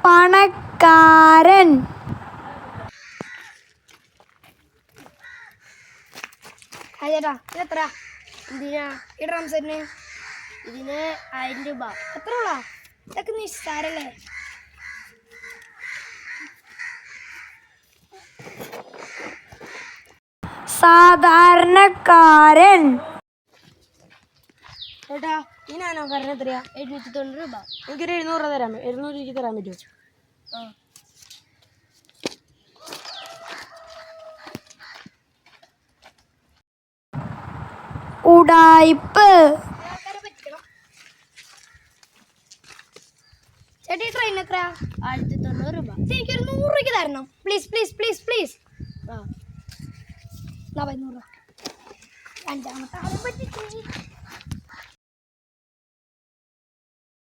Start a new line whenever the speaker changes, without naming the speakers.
പണക്കാരൻ.
ചേട്ടാ ഇതെത്ര? ഇതിനാ ഈ ഡ്രം സെറ്റിന്? ഇതിന് 1000 രൂപ. എത്ര ഉള്ളാ? ഇതൊക്കെ നിസ്സാരല്ലേ?
സാധാരണക്കാരൻ.
ചേട്ടാ ഈ നാനോക്കാരന് എത്രയാ? 790 രൂപ. എനിക്കൊരു 700 രൂപ തരാം. 700 രൂപയ്ക്ക് തരാൻ പറ്റുമോ? ആ
ഉഡായിപ്പ്.
ചേട്ടാ ഈ ട്രെയിൻ എത്രയാ? 1090 രൂപ. എനിക്കൊരു 100 രൂപയ്ക്ക് തരണം പ്ലീസ് പ്ലീസ് പ്ലീസ് പ്ലീസ്. ആ 100 രൂപ. അഞ്ചാമത്തെ ആളെ പറ്റി